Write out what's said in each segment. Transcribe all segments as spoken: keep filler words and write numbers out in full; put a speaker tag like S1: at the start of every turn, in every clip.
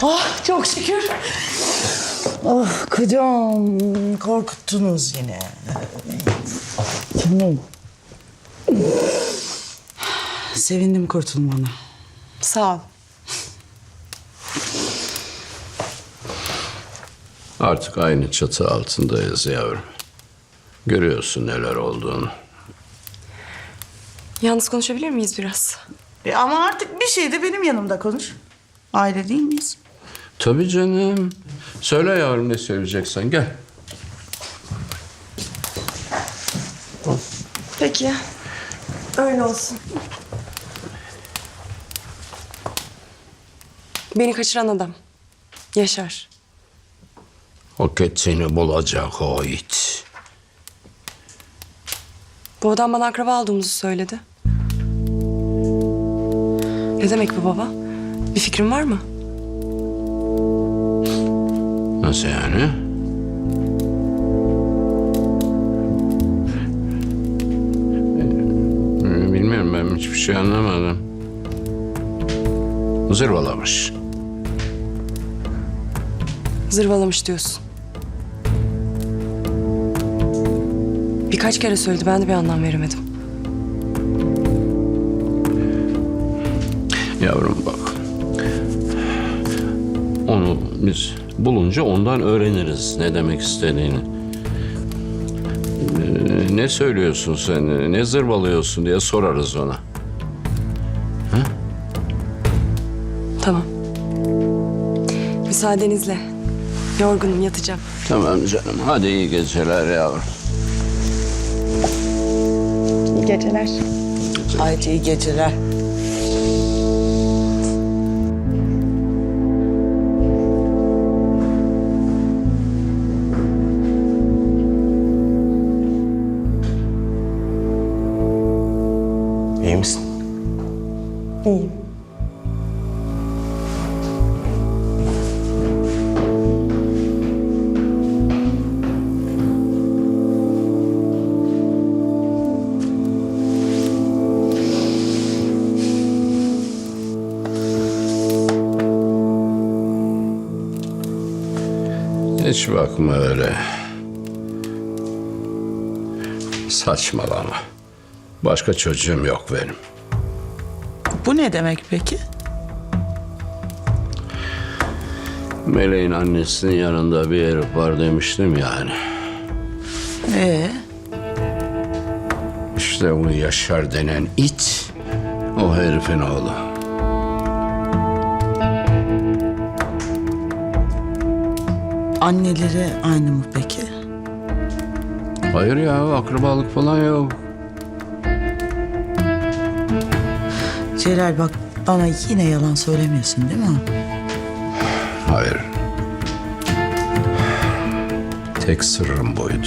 S1: Ah çok şükür. Ah kocam korkuttunuz yine. Canım. Sevindim kurtulmana.
S2: Sağ ol.
S3: Artık aynı çatı altındayız yavrum. Görüyorsun neler olduğunu.
S2: Yalnız konuşabilir miyiz biraz?
S1: E ama artık bir şey de benim yanımda konuş. Aile değil miyiz?
S3: Tabii canım. Söyle yavrum ne söyleyeceksen gel.
S2: Peki. Öyle olsun. Beni kaçıran adam. Yaşar.
S3: O seni bulacak o it.
S2: Bu adam bana akraba olduğumuzu söyledi. Ne demek bu baba? Bir fikrin var mı?
S3: Nasıl yani? Ee, Bilmiyorum, ben hiçbir şey anlamadım. Zırvalamış.
S2: Zırvalamış diyorsun. Birkaç kere söyledi, ben de bir anlam veremedim.
S3: Yavrum bak. Onu biz bulunca ondan öğreniriz ne demek istediğini. Ee, ne söylüyorsun sen, ne zırvalıyorsun diye sorarız ona.
S2: Tamam. Müsaadenizle. Yorgunum, yatacağım.
S3: Tamam canım, hadi iyi geceler yavrum.
S2: İyi geceler.
S1: Haydi iyi geceler.
S4: İyi misin?
S2: İyiyim.
S3: Hiç bakma öyle. Saçmalama. Başka çocuğum yok benim.
S1: Bu ne demek peki?
S3: Meleğin annesinin yanında bir herif var demiştim yani.
S1: Ee,
S3: İşte bu Yaşar denen it, o herifin oğlu.
S1: anneleri aynı mı peki?
S3: Hayır ya, akrabalık falan yok.
S1: Celal bak bana yine yalan söylemiyorsun değil mi?
S3: Hayır. Tek sırrım buydu.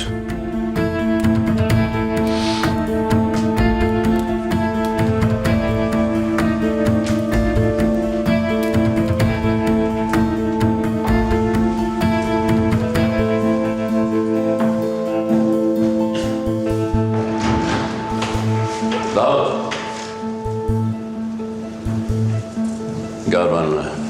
S3: Davut. Gel benimle.